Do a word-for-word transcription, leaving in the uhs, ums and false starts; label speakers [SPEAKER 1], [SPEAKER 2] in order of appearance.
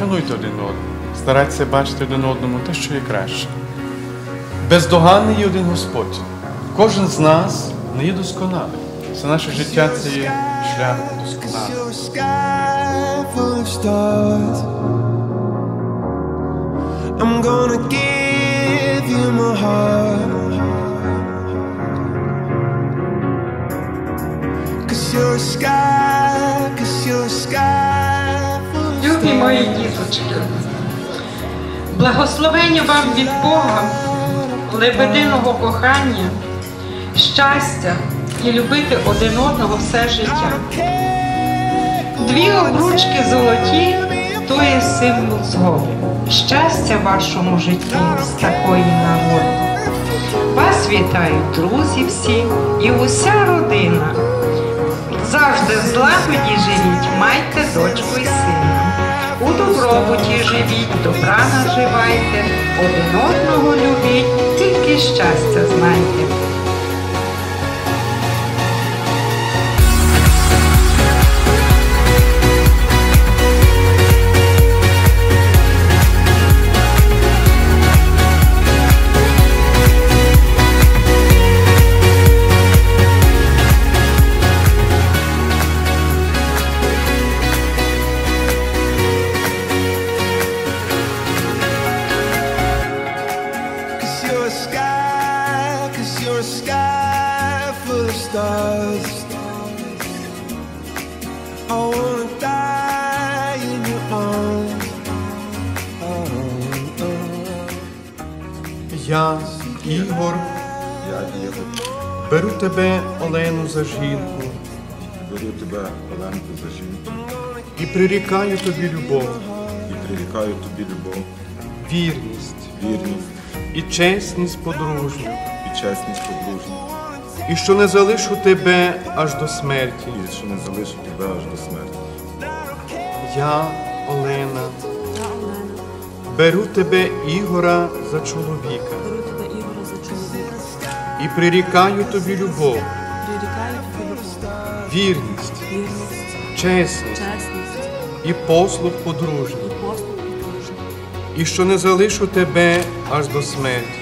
[SPEAKER 1] шануйте один одного, старайтеся бачити один одному те, що є краще. Бездоганний є один Господь. Кожен з нас не є досконалий. Все наше життя – це є шлях досконалий. I'm gonna give you my heart, 'cause you're a sky, 'cause you're a sky.
[SPEAKER 2] Любі мої діточки, благословення вам від Бога, лебединого кохання, щастя і любити один одного все життя. Дві обручки золоті – то є символ згоди. Щастя в вашому житті з такої нагоди. Вас вітають друзі всі і уся родина. Завжди в злагоді живіть, майте дочку і сина. У добробуті живіть, добра наживайте, один одного любіть, тільки щастя знайте.
[SPEAKER 1] You're a sky full of stars. I wanna die in your arms. Oh, oh. Я, Ігор,
[SPEAKER 3] Я, Ігор,
[SPEAKER 1] беру тебе, Олену, за жінку
[SPEAKER 3] беру тебе, Оленку, за жінку
[SPEAKER 1] і прирікаю тобі любов,
[SPEAKER 3] і прирікаю тобі любов,
[SPEAKER 1] вірність
[SPEAKER 3] вірність
[SPEAKER 1] і чесність подружню,
[SPEAKER 3] і чесність подружню,
[SPEAKER 1] і що не залишу тебе аж до смерті.
[SPEAKER 3] і що не залишу тебе аж до смерті.
[SPEAKER 1] Я, Олена, беру тебе, Ігора, за чоловіка
[SPEAKER 4] Беру тебе, Ігоре, за чоловіка.
[SPEAKER 1] і прирікаю тобі любов,
[SPEAKER 4] Прирікаю тобі любов,
[SPEAKER 1] вірність,
[SPEAKER 4] вірність,
[SPEAKER 1] чесність
[SPEAKER 4] чесність
[SPEAKER 1] і послуг подружній,
[SPEAKER 4] і послуг подружній.
[SPEAKER 1] і що не залишу тебе аж до смерті.